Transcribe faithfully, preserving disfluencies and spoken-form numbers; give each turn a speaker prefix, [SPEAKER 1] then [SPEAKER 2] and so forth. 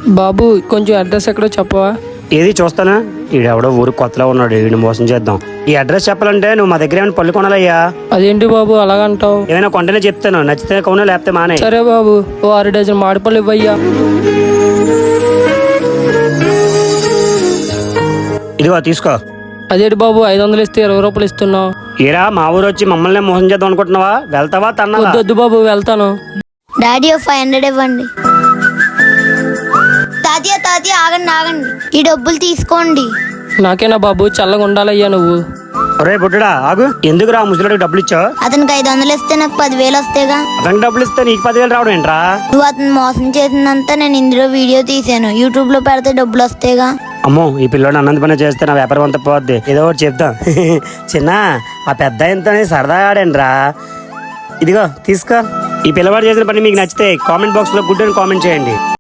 [SPEAKER 1] బాబు కొంచెం అడ్రస్ ఎక్కడో చెప్పవా?
[SPEAKER 2] ఏది చూస్తానా? ఈడెవడో ఊరు కొత్తలో ఉన్నాడు, వీడిని మోసం చేద్దాం. ఈ అడ్రస్ చెప్పాలంటే నువ్వు మా దగ్గర ఏమైనా పళ్ళు కొనాలయ్యా.
[SPEAKER 1] అదేంటి బాబు అలాగంటావు?
[SPEAKER 2] ఏమైనా కొంటేనే చెప్తాను, నచ్చితే కొను లేకపోతే మానే.
[SPEAKER 1] సరే బాబు, ఓ ఆరు డజన్ మామిడిపళ్ళు ఇవ్వయ్యా.
[SPEAKER 2] ఇదిగో తీసుకో.
[SPEAKER 1] అదేంటి బాబు ఐదు వందలు ఇస్తే ఇరవై రూపాయలు ఇస్తున్నావు?
[SPEAKER 2] ఏరా మా ఊరు వచ్చి మమ్మల్ని మోసం చేద్దాం అనుకుంటున్నావా? వెళ్తావా తన్నా?
[SPEAKER 1] వద్దు బాబు, వెళ్తాను.
[SPEAKER 3] డాడీ ఓ ఫైవ్ హండ్రెడ్ ఇవ్వండి. తాతయ్య తాతయ్య ఆగండి ఆగండి, ఈ డబ్బులు తీసుకోండి.
[SPEAKER 1] నాకేనా బాబు, చల్లగా ఉండాలయ్యా నువ్వు.
[SPEAKER 2] ఒరే బుడ్డడా ఆగు, ఎందుకురా ముసలిడికి డబ్బులు ఇచ్చావు?
[SPEAKER 3] అతనికి ఐదు వందలు ఇస్తే నాకు పదివేలు వస్తేగా.
[SPEAKER 2] అతనికి డబ్బులు ఇస్తే నీకు పదివేలు రావడం ఏంట్రా?
[SPEAKER 3] నువ్వు అతను మోసం చేసిందంతా నేను ఇందులో వీడియో తీసాను, యూట్యూబ్ లో పెడితే డబ్బులు వస్తేగా.
[SPEAKER 2] అమ్మో, ఈ పిల్లోడు అన్నంత పని చేస్తే నా వ్యాపారం అంతా పోద్ది. ఏదో ఒకటి చెప్తాం. చిన్న ఆ పెద్ద ఆయనతోనే సరదాగా ఆడండిరా. ఇదిగో తీసుకో. ఈ పిల్లవాడు చేసిన పని మీకు నచ్చితే కామెంట్ బాక్స్ లో గుడ్ అని కామెంట్ చేయండి.